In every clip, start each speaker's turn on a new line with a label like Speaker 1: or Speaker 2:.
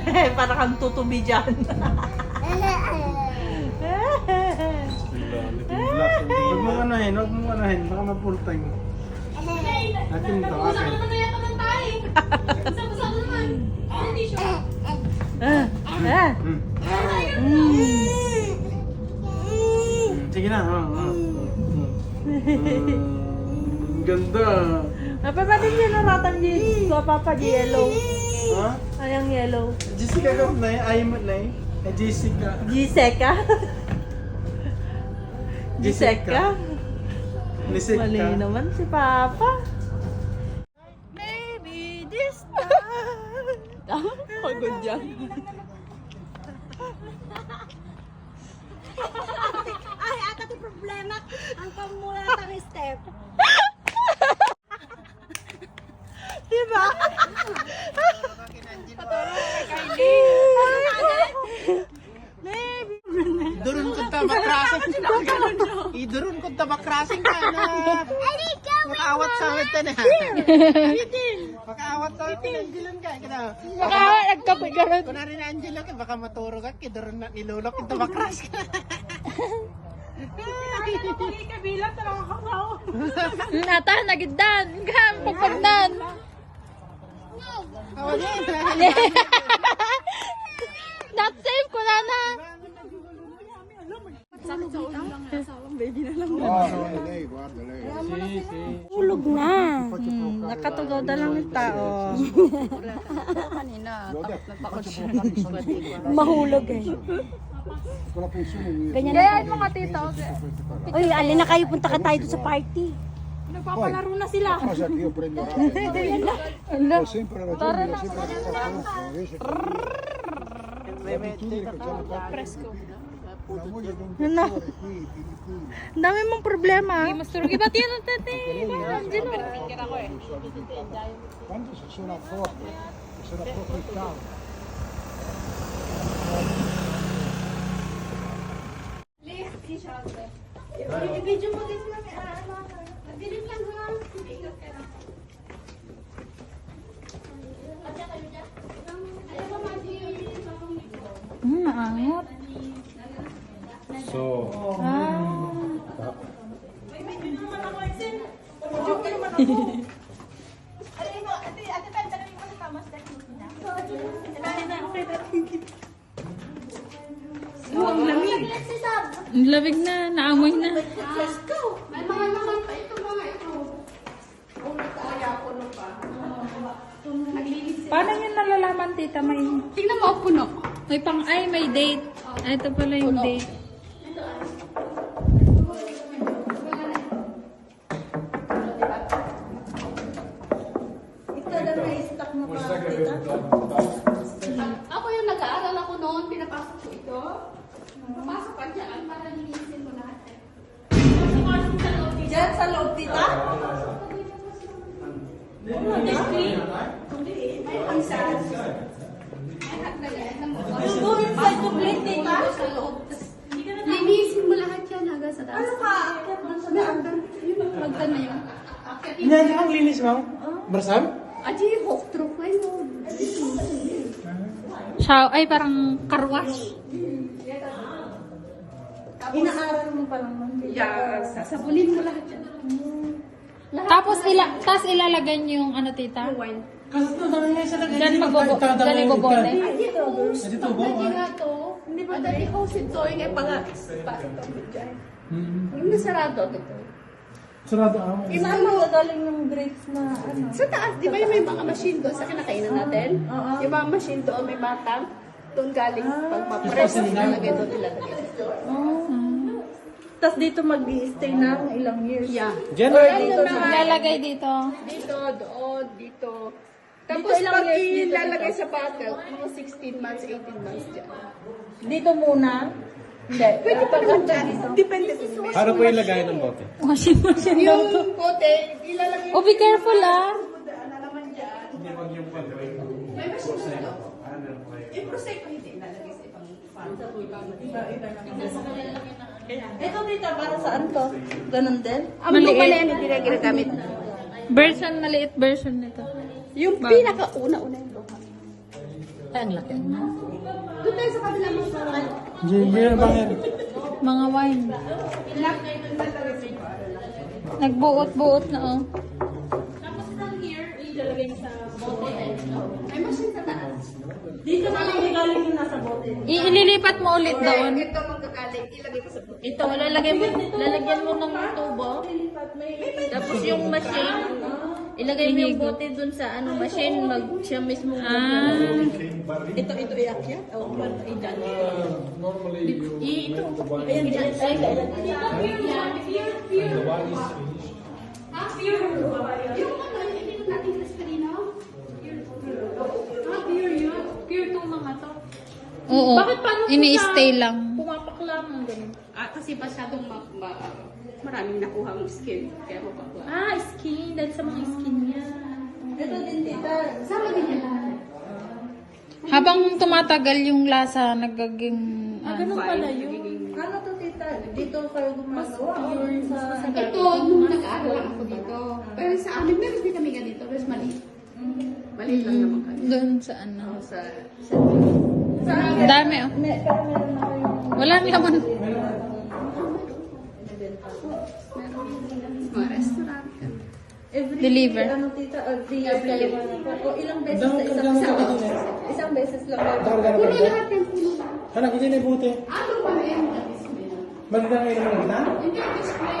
Speaker 1: Para kang tutubi dyan.
Speaker 2: Huwag mong anahin, baka ma-full time. Atin ito, akin. Sige na. Ganda.
Speaker 1: Napapatid niya na ratan dito. Papa, yellow.
Speaker 2: Ha?
Speaker 1: Ayang yellow.
Speaker 2: Jessica ka na eh. Ayaw mo na eh. Jessica.
Speaker 1: Giseka? Giseka?
Speaker 2: Nisika.
Speaker 1: Mali naman si Papa. Maybe this time. Pagod yan.
Speaker 3: Ay, ata ti problema. Ang pamula ng step.
Speaker 1: Diba? Maybe.
Speaker 2: Idurun ko tabak krasing. Idurun ko tabak krasing ka na. Makaawat sa awit na. Makaawat sa awit na. Angelan ka.
Speaker 1: Makaawat, nagkapigaran.
Speaker 2: Kunwari na Angela ka, baka maturo ka. Idurun na nilulok yung tabak krasing.
Speaker 4: Nata, nagiddan. Gam, pagpagdan.
Speaker 2: Awan yan.
Speaker 4: Not safe ko na na.
Speaker 3: Ulog na.
Speaker 1: Nakatugaw na lang yung tao.
Speaker 3: Mahulog eh. Ganyan
Speaker 4: Gayahin mo ka, tito.
Speaker 3: Uy, alin na kayo, punta ka tayo doon sa party.
Speaker 4: Nagpapalaro na sila.
Speaker 5: Pasa que yo prendo radio. Ho sempre ragione, ho sempre ragione. L'abitudine che c'è una moglie di un dottore qui, qui.
Speaker 1: Ang dami mong problema.
Speaker 4: Mas turog. Iba tiyan ang tete.
Speaker 5: Quando si suona forte, si era proprio il cavo.
Speaker 4: Naangot.
Speaker 2: So,
Speaker 4: Ang lamig na. Naamoy na.
Speaker 1: Paano yun nalalaman, tita? May...
Speaker 4: Tingnan mo, puno. May may date. Ito pala yung date.
Speaker 1: Ito na may stock na pa, tita.
Speaker 6: Ako yung nag-aaral ako noon, pinapasok ko ito. Papasok ka dyan para linisin mo lahat.
Speaker 1: Diyan sa loob, tita? You go inside to play, tita?
Speaker 6: Sa loob. Linisin mo lahat yan hanggang sa taas.
Speaker 1: Ano ka? Akyat man sa daan.
Speaker 6: Magdan na yun.
Speaker 2: hindi kang linis mo? Bersam?
Speaker 6: Aji, hook through kayo.
Speaker 4: Ay, parang karwash.
Speaker 1: Inaaral mo pa lang nun, tita.
Speaker 6: Yeah, sasabulin mo lahat yan.
Speaker 4: Tapos ilalagay niyo yung ano, tita?
Speaker 6: Wine.
Speaker 2: Kasi ito dami nga sa lagay.
Speaker 4: Diyan magbobote.
Speaker 6: Dito,
Speaker 2: Dito ba?
Speaker 6: dati nga to. Hindi ba dati host ito yung ipang dyan. Yung nasarado ito.
Speaker 2: Sarado ako.
Speaker 1: Saan magagaling yung grapes na ano?
Speaker 6: Sa taas, di ba yung may mga machine doon sa kinakainan natin? Yung mga machine doon, may batang. Doon galing pagpapress. Nalagay doon ilalagay.
Speaker 1: Tapos dito mag-i-stay ng ilang years.
Speaker 6: Yeah.
Speaker 2: Diyan
Speaker 1: Or
Speaker 2: na.
Speaker 1: dito sa...
Speaker 4: Ilalagay dito.
Speaker 6: Dito, doon, dito. Tapos
Speaker 1: Dito ilang
Speaker 6: pag
Speaker 1: years dito,
Speaker 6: ilalagay
Speaker 1: dito?
Speaker 6: sa bottle, mga 16 months, 18 months dyan.
Speaker 1: Dito muna. Hindi.
Speaker 6: Pwede pa naman dyan. Depende sa
Speaker 2: Ano po yung lagay ng bote?
Speaker 4: Washing machine daw to.
Speaker 6: yung bote, ilalagay
Speaker 4: Oh, be careful ah.
Speaker 6: naman dyan. May machine na ito. Yung prosecco hindi ilalagay sa ibang fan.
Speaker 1: Ito dito, para saan to? Ganon din?
Speaker 6: Ang luma na yan, hindi na ginagamit.
Speaker 4: Maliit version nito.
Speaker 6: Yung pinaka-una-una yung luma.
Speaker 3: Doon tayo sa kabila mo sa
Speaker 4: Mga wine. Nagbuot-buot na oh.
Speaker 6: Tapos down here, ilalagay mo sa bote. May machine sa taas.
Speaker 3: Dito na lang galing yung nasa bote.
Speaker 4: Ililipat mo ulit doon.
Speaker 6: Ito magkakaling, ilagay mo sa bote.
Speaker 4: Ito, lalagyan mo ng tubo. Tapos yung machine, ilagay mo yung bote dun sa machine, siya mismo.
Speaker 1: Ito iakyat? O, idan?
Speaker 6: Ayan, dyan. Yung ininom natin sa Estelino?
Speaker 4: Pure to mga to. Oo, ini-stay lang.
Speaker 6: Pumapak lang. Ganun. Kasi masyadong maraming nakuha ng skin. Kaya mapakla.
Speaker 4: Skin. Dahil sa mga skin niya.
Speaker 1: Ito din, tita.
Speaker 6: Sama din yan lahat.
Speaker 4: Habang tumatagal yung lasa, nagaging...
Speaker 1: Ganun pala yun. Ano to, tita? Dito kayo gumagawa? Sa...
Speaker 6: Ito, nung nag-aaral lang ako dito. Pero sa amin, meron din kami ganito. Pero maliit. Maliit lang naman kami.
Speaker 4: Doon sa
Speaker 6: Sa
Speaker 4: Ang dami oh. Wala naman.
Speaker 6: mga restaurant.
Speaker 4: Deliver.
Speaker 1: Ano, tita? Every year kayo o ilang beses sa isang beses lang kayo.
Speaker 6: Puno lahat yan, puno lahat.
Speaker 5: Anak, hindi na buti.
Speaker 6: Ano pa na yan?
Speaker 5: Maganda ngayon naman kita?
Speaker 6: Hindi, display.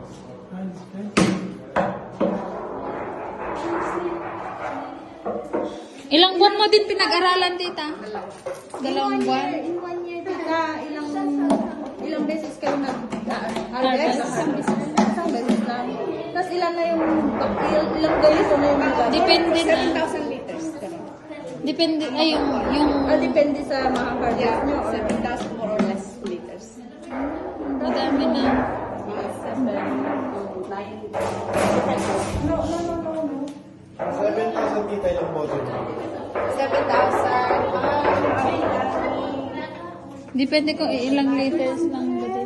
Speaker 4: Ilang buwan mo din pinag-aralan, tita? Dalawang buwan.
Speaker 1: In 1 year, tita, ilang beses kayo nag-harvest? Isang beses lang. Tapos ilan na yung ilang days na yung magagawa?
Speaker 4: Depende na.
Speaker 6: 7,000 liters.
Speaker 4: Depende, ay yung
Speaker 1: Depende sa mga harvest nyo. or-
Speaker 6: 7,000 more or less liters.
Speaker 4: madami na.
Speaker 6: Mga 7 to 9.
Speaker 1: No.
Speaker 5: 7,000 kita ilang bote.
Speaker 6: 7,000.
Speaker 4: Depende kung ilang liters lang ba din.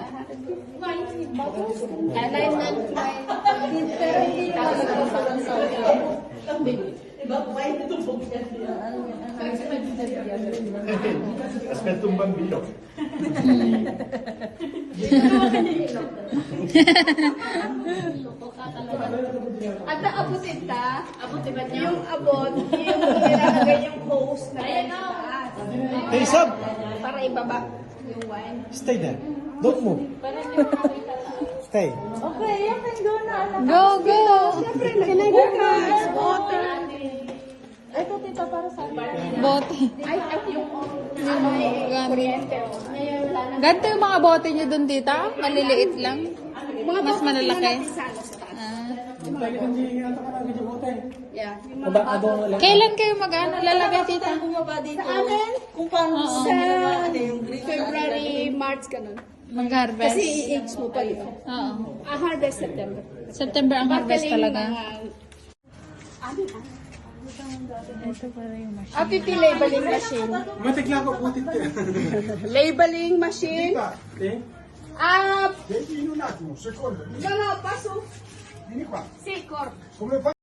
Speaker 1: Pero hindi naman nagpapalang sa
Speaker 5: Aspetto un bambino.
Speaker 6: At abutin ta. Abutin ba niya? Yung abot, yung nilalagay yung hose na sa taas.
Speaker 5: Hey, Sab!
Speaker 6: Para ibaba yung wine.
Speaker 5: Stay there. Don't move. Stay.
Speaker 1: Okay, you can go na. Anak.
Speaker 4: Go, go!
Speaker 6: Siyempre, nag-focus. Water.
Speaker 1: Ito, tita, para sa akin.
Speaker 4: Bote.
Speaker 6: Ay, yung kuryente. Ngayon, wala na.
Speaker 4: Ganito yung mga bote nyo dun, tita? Maliliit lang?
Speaker 6: Mga
Speaker 4: Mas
Speaker 6: bote
Speaker 4: malalaki?
Speaker 6: natin sa ano, sa taas. Yeah.
Speaker 4: Kailan kayo lalagay, tita?
Speaker 1: Bumaba dito.
Speaker 6: Sa amin,
Speaker 1: Kung paano
Speaker 4: Oo.
Speaker 1: sa yung green.
Speaker 6: February, March, ganun.
Speaker 4: Mag-harvest?
Speaker 6: Kasi i-age mo pa yun.
Speaker 4: Oo.
Speaker 6: Harvest September.
Speaker 4: September ang harvest
Speaker 6: Magaling
Speaker 4: talaga.
Speaker 6: APP labeling machine.
Speaker 5: Matikla ko putit ka.
Speaker 6: Labeling machine.
Speaker 5: Eh?
Speaker 6: Ah,
Speaker 5: Vedi in un attimo, secondo.
Speaker 6: no, paso.
Speaker 5: Vieni qua.
Speaker 6: Sì, corpo.
Speaker 5: Come fai?